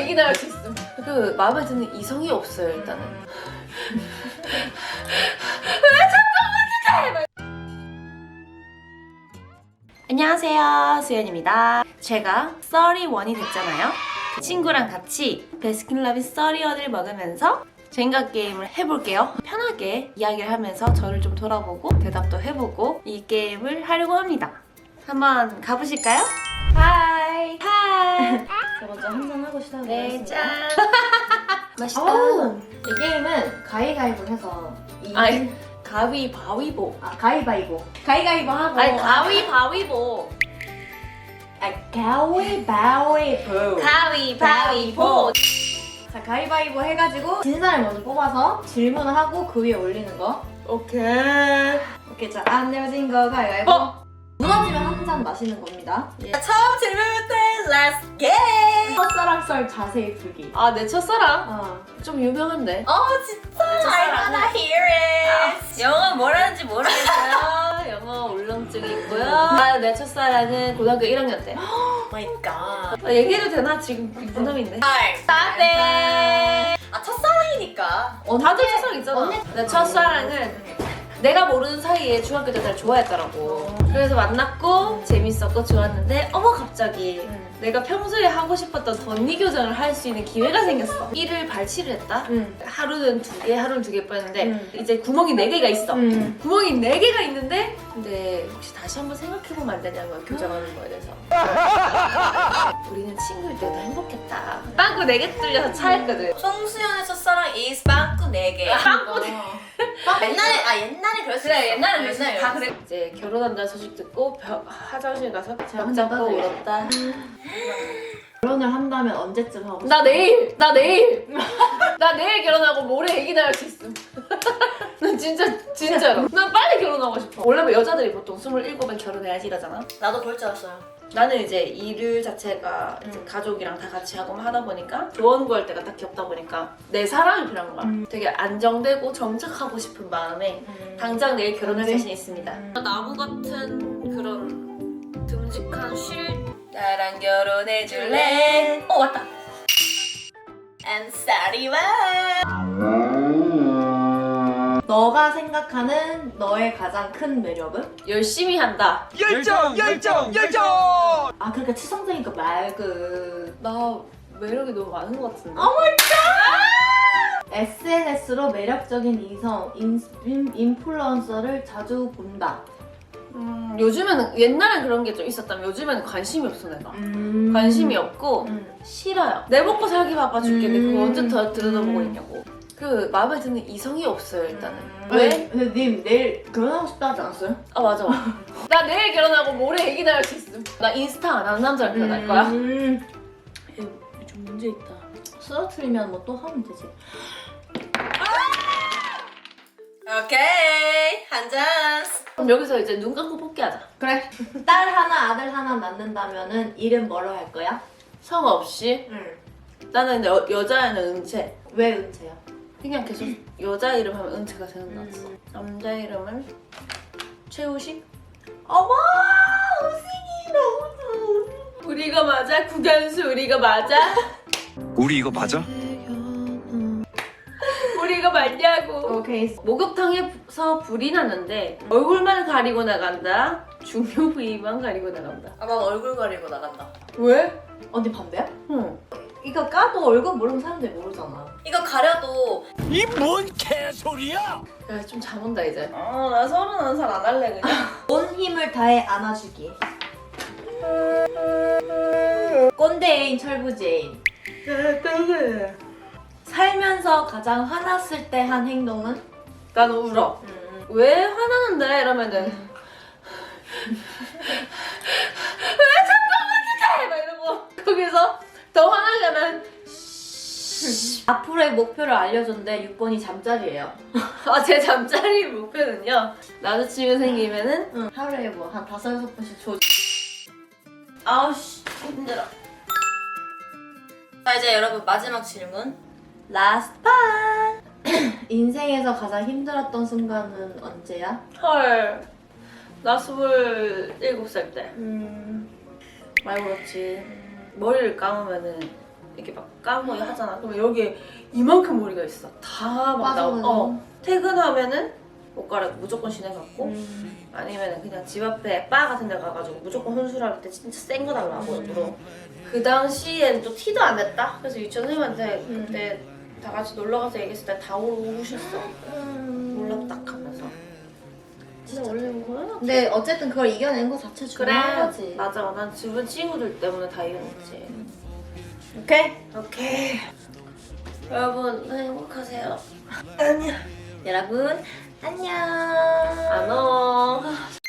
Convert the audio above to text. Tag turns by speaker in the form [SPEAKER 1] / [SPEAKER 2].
[SPEAKER 1] 얘기나 할 수 있음. 그 마음에 드는 이성이 없어요 일단은. 안녕하세요, 수연입니다. 제가 31이 됐잖아요. 그 친구랑 같이 베스킨라빈스 31을 먹으면서 젠가 게임을 해볼게요. 편하게 이야기를 하면서 저를 좀 돌아보고 대답도 해보고 이 게임을 하려고 합니다. 한번 가보실까요? 하이! 하이!
[SPEAKER 2] 저 먼저 한잔 하고 시작을
[SPEAKER 1] 네,
[SPEAKER 2] 하겠습니다.
[SPEAKER 1] 짠! 맛있다.
[SPEAKER 2] 이 게임은 가위가위보 해서
[SPEAKER 1] 아니, 가위바위보.
[SPEAKER 2] 가위바위보. 가위가위보 하고
[SPEAKER 1] 아니, 가위바위보.
[SPEAKER 2] 가위바위보.
[SPEAKER 1] 가위바위보.
[SPEAKER 2] 자, 가위바위보 해가지고 진 사람이 먼저 뽑아서 질문을 하고 그 위에 올리는 거.
[SPEAKER 1] 오케이.
[SPEAKER 2] 오케이, 자, 안 내어진 거 가위바위보. 무너지면 한 잔 마시는 겁니다.
[SPEAKER 1] 처음 질문부터 Let's get!
[SPEAKER 2] 첫사랑 썰 자세히 풀기.
[SPEAKER 1] 아, 내 첫사랑? 좀 유명한데?
[SPEAKER 3] 진짜
[SPEAKER 1] I
[SPEAKER 3] wanna hear it.
[SPEAKER 1] 영어 뭐라는지 모르겠어요. 영어 울렁증이 있고요. 내 첫사랑은 고등학교 1학년 때.
[SPEAKER 3] 마이 갓.
[SPEAKER 1] 얘기해도 되나? 지금 부담인데.
[SPEAKER 3] 네. 첫사랑이니까.
[SPEAKER 1] 다들 첫사랑 있잖아. 내 첫사랑은 내가 모르는 사이에 중학교 때 날 좋아했더라고. 그래서 만났고 재밌었고 좋았는데 어머 갑자기 내가 평소에 하고 싶었던 덧니 교정을 할 수 있는 기회가 생겼어. 이를 발치를 했다. 하루는 2개, 하루는 2개 뺐는데 이제 구멍이 4개가 있어. 구멍이 4개가 있는데 근데 혹시 다시 한번 생각해보면 안 되냐고요. 교정하는 거에 대해서. 우리는 친구일 때도 행복했다. 빵꾸 4개 뚫려서 차였거든.
[SPEAKER 3] 송수연의 첫사랑 is 빵꾸 4개.
[SPEAKER 1] 빵꾸
[SPEAKER 3] 옛날에 그랬어.
[SPEAKER 1] 그래 옛날엔 그랬어. 다 그래. 이제 결혼한다는 소식 듣고 화장실 가서 벽 잡고 울었다.
[SPEAKER 2] 결혼을 한다면 언제쯤 하고 싶어?
[SPEAKER 1] 나 내일 결혼하고 모레 애기 낳을 수 있음. 난 진짜로. 난 빨리 결혼하고 싶어. 원래 뭐 여자들이 보통 27에 결혼해야지 이러잖아.
[SPEAKER 3] 나도 그럴 줄 알았어요.
[SPEAKER 1] 나는 이제 일 자체가 이제 가족이랑 다 같이 하고 하다 보니까 조언 구할 때가 딱히 없다 보니까 내 사람이 필요한 거야. 되게 안정되고 정착하고 싶은 마음에 당장 내일 결혼할 자신 있습니다. 나무 같은 그런 듬직한 쉴
[SPEAKER 3] 나랑 결혼해줄래? 왔다. And 사리와.
[SPEAKER 2] 너가 생각하는 너의 가장 큰 매력은?
[SPEAKER 1] 열심히 한다.
[SPEAKER 4] 열정!
[SPEAKER 2] 아, 그러니까 치성적이니까 말그
[SPEAKER 1] 나 매력이 너무 많은 것 같은데.
[SPEAKER 2] SNS로 매력적인 이성, 인플루언서를 자주 본다.
[SPEAKER 1] 요즘에는 옛날엔 그런 게 좀 있었다면 요즘에는 관심이 없어 내가. 관심이 없고 싫어요. 내 먹고 살기 바빠 죽겠는데 그거 언제 더 들여다보고 있냐고. 그 마음에 드는 이성이 없어요 일단은. 왜?
[SPEAKER 2] 근데 님 내일 결혼하고 싶다 하지 않았어요?
[SPEAKER 1] 아 맞아. 나 내일 결혼하고 모레 애기 낳을 수 있음. 나 인스타 안 하는 남자랑 결혼할 거야. 좀 문제 있다.
[SPEAKER 2] 쓰러트리면 뭐 또 하면 되지.
[SPEAKER 3] 오케이. 한 잔.
[SPEAKER 1] 그럼 여기서 이제 눈 감고 뽑기하자.
[SPEAKER 2] 그래. 딸 하나, 아들 하나 낳는다면은 이름 뭐로 할 거야?
[SPEAKER 1] 성 없이. 나는 근데 여자애는 은채.
[SPEAKER 2] 왜 은채야?
[SPEAKER 1] 그냥 계속 여자 이름 하면 은채가 생각났어. 남자 이름은 최우식?
[SPEAKER 2] 어머! 우식이 너무 좋아.
[SPEAKER 1] 우리가 맞아? 국연수 우리가 맞아?
[SPEAKER 4] 우리 이거 맞아?
[SPEAKER 1] 우리가 맞냐고.
[SPEAKER 2] 오케이.
[SPEAKER 1] 목욕탕에서 불이 났는데 얼굴만 가리고 나간다. 중요 부위만 가리고 나간다.
[SPEAKER 3] 난 얼굴 가리고 나간다.
[SPEAKER 1] 왜?
[SPEAKER 2] 언니 반대야?
[SPEAKER 1] 응.
[SPEAKER 2] 이거 까도 얼굴 모르면 사람들이 모르잖아.
[SPEAKER 3] 이거 가려도
[SPEAKER 4] 이 뭔 개소리야!
[SPEAKER 1] 야, 좀 잠온다 이제. 나 31살 안 할래 그냥.
[SPEAKER 2] 온 힘을 다해 안아주기. 꼰대인 철부지인. 살면서 가장 화났을 때 한 행동은?
[SPEAKER 1] 난 울어. 왜 화나는데? 이러면은 왜 잠깐만 막 이러고 거기서 더 화나려면
[SPEAKER 2] 앞으로의 목표를 알려줬는데 6번이 잠자리예요.
[SPEAKER 1] 제 잠자리 목표는요. 남자친구 생기면은
[SPEAKER 2] 하루에 뭐 한 5-6번씩 줘.
[SPEAKER 1] 아우씨 힘들어.
[SPEAKER 3] 자 이제 여러분 마지막 질문.
[SPEAKER 2] 라스트 판! 인생에서 가장 힘들었던 순간은 언제야?
[SPEAKER 1] 헐. 나 27살 때. 많이 울었지. 머리를 감으면은 이렇게 막 감고 하잖아. 그러면 여기에 이만큼 머리가 있어. 다 막 나오고. 퇴근하면은 옷 갈아입고 무조건 시내 갔고 아니면 그냥 집 앞에 바 같은 데 가가지고 무조건 혼술할 때 진짜 센 거 달라고 일부러. 그 당시엔 또 티도 안 냈다. 그래서 유치원 선생님한테 그때 다 같이 놀러 가서 얘기했을 때 다 우셨어. 몰랐다 하면서. 진짜 원래 거야?
[SPEAKER 2] 근데 어쨌든 그걸 이겨낸 거 자체 중요한 거지.
[SPEAKER 1] 맞아. 난 주변 친구들 때문에 다 이겨냈지.
[SPEAKER 2] 오케이.
[SPEAKER 1] 오케이. 여러분 행복하세요. 안녕.
[SPEAKER 2] 여러분 안녕.
[SPEAKER 1] 안녕.